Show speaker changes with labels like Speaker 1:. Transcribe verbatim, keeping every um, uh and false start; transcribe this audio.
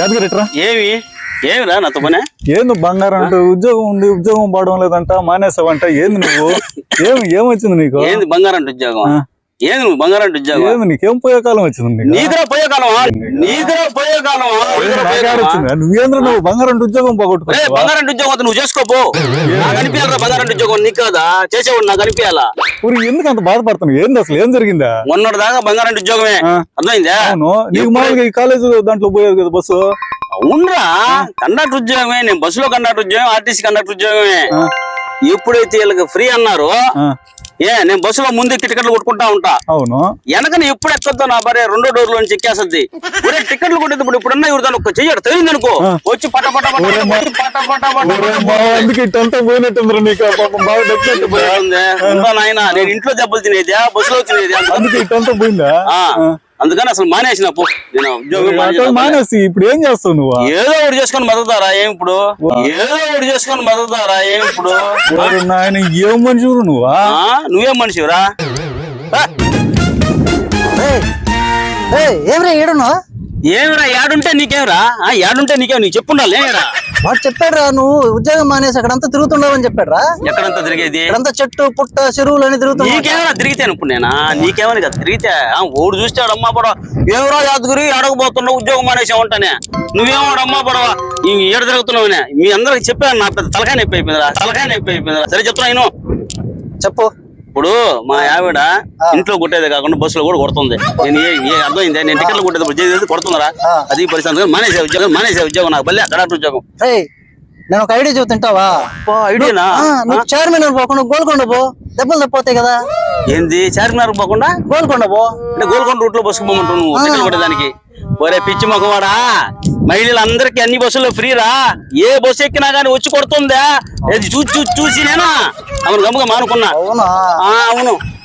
Speaker 1: యాదగిరిట్రా
Speaker 2: ఏమి ఏమిరా నాతో పనే
Speaker 1: ఏంది బంగారం అంటే ఉద్యోగం ఉంది ఉద్యోగం పడడం లేదంట మానేసావంట ఏంది నువ్వు ఏమి ఏమొచ్చింది నీకు
Speaker 2: ఏంది బంగారం అంటే ఉద్యోగం ఏంది నువ్వు బంగారం అంటే ఉద్యోగం
Speaker 1: ఏంది నీకేం పోయే కాలం వచ్చింది
Speaker 2: నీదిరా పోయే కాలమా నీదిరా పోయే కాలమా
Speaker 1: నువ్వేంద్ర నువ్వు బంగారం అంటే ఉద్యోగం పోగొట్టుకో
Speaker 2: బంగారం అంటే ఉద్యోగం నువ్వు చేసుకోపో నాకు అనిపించాలరా బంగారం అంటే ఉద్యోగం నీకు కదా చేసేవాడు నాకు అనిపించాలా
Speaker 1: ఊరి ఎందుకు అంత బాధపడుతున్నావు ఏంది అసలు ఏం జరిగిందా
Speaker 2: మొన్నటి దాకా బంగారం అంటే ఉద్యోగమే అర్థమైందా
Speaker 1: అవును నీకు మామూలుగా ఈ కాలేజ్ దాంట్లో పోయేది కదా బస్సు
Speaker 2: అవునరా కండక్టర్ ఉద్యోగమే నేను బస్సులో కండక్టర్ ఉద్యోగం ఆర్టీసీ కండక్టర్ ఉద్యోగమే ఎప్పుడైతే వీళ్ళకి ఫ్రీ అన్నారు ఏ నేను బస్సులో ముందు టికెట్లు కొట్టుకుంటా ఉంటా
Speaker 1: అవును
Speaker 2: వెనకని ఎప్పుడు ఎక్కద్దో నా భార్య రెండో డోర్ లో నుంచి ఎక్కేస్తుంది ఒరే టికెట్లు కొట్టేది ఇప్పుడు ఇప్పుడున్న ఇవ్వదాను ఒక చెయ్యడు తెలియదు అనుకో వచ్చి పట పట పట పట పట
Speaker 1: అందుకే పోయినట్టు నీకు బాగా
Speaker 2: డబ్బులు నాయన నేను ఇంట్లో దెబ్బలు తినేది బస్సులో తినేది
Speaker 1: అందుకే ఇట్టంతా పోయిందా
Speaker 2: అందుకని అసలు మానేసిన పో నేను ఉద్యోగం
Speaker 1: మానేసి ఇప్పుడు ఏం చేస్తావు నువ్వు
Speaker 2: ఏదో ఒకటి చేసుకొని బతుకుతారా ఏం ఇప్పుడు ఏదో ఒకటి చేసుకొని బతుకుతారా ఏం ఇప్పుడు
Speaker 1: నాయన ఏం మనిషి నువ్వా
Speaker 2: నువ్వేం మనిషిరా
Speaker 3: ఏమిరా ఏడున్నా
Speaker 2: ఏమిరా ఏడుంటే నీకేమరా ఏడుంటే నీకేం నీకు చెప్పుండాలి ఏమిరా
Speaker 3: వాడు చెప్పాడు రా నువ్వు ఉద్యోగం మానేసి అక్కడంతా తిరుగుతుండవని చెప్పాడు రా
Speaker 2: ఎక్కడంతా తిరిగేది
Speaker 3: ఇక్కడంతా చెట్టు పుట్ట చెరువులు అని తిరుగుతున్నా
Speaker 2: నీకేమైనా తిరిగితేను ఇప్పుడు నేనా నీకేమని కదా తిరిగితే ఓడు చూస్తాడు అమ్మా పడవ ఏమరా యాదగిరి అడగబోతున్నావు ఉద్యోగం మానేసావంటానే నువ్వేమో అమ్మా పడవ ఈ ఏడు తిరుగుతున్నావునే మీ అందరికి చెప్పాను నా పెద్ద తలకాయ నొప్పి అయిపోయిందిరా తలకాయ నొప్పి అయిపోయిందిరా సరే చెప్తున్నా నేను
Speaker 3: చెప్పు
Speaker 2: ఇప్పుడు మా ఆవిడ ఇంట్లో కొట్టేది కాకుండా బస్సులో కూడా కొడుతుంది నేను ఏ అర్థమైంది నేను టికెట్లు కొట్టేది కొడుతున్నారా అది పరిస్థితి మానేసే ఉద్యోగం మానేసే ఉద్యోగం నాకు బల్లే కరెక్ట్ ఉద్యోగం
Speaker 3: నేను ఒక ఐడియా చెబుతా తింటావా
Speaker 2: ఐడియానా
Speaker 3: నువ్వు చార్మినార్ పోకుండా గోల్కొండ పో దెబ్బలు తప్పిపోతాయి కదా
Speaker 2: ఏంది చార్మినార్ పోకుండా
Speaker 3: గోల్కొండ పో
Speaker 2: అంటే గోల్కొండ రూట్ లో బస్సుకు పోమంటావు నువ్వు టికెట్ కొట్టేదానికి ఒరే పిచ్చి మొక్కవాడా మహిళలందరికీ అన్ని బస్సుల్లో ఫ్రీరా ఏ బస్సు ఎక్కినా గానీ వచ్చి కొడుతుందా చూసి చూసి చూసి నేనా అవును గమ్ముగా మానుకున్నా
Speaker 3: అవునా
Speaker 2: అవును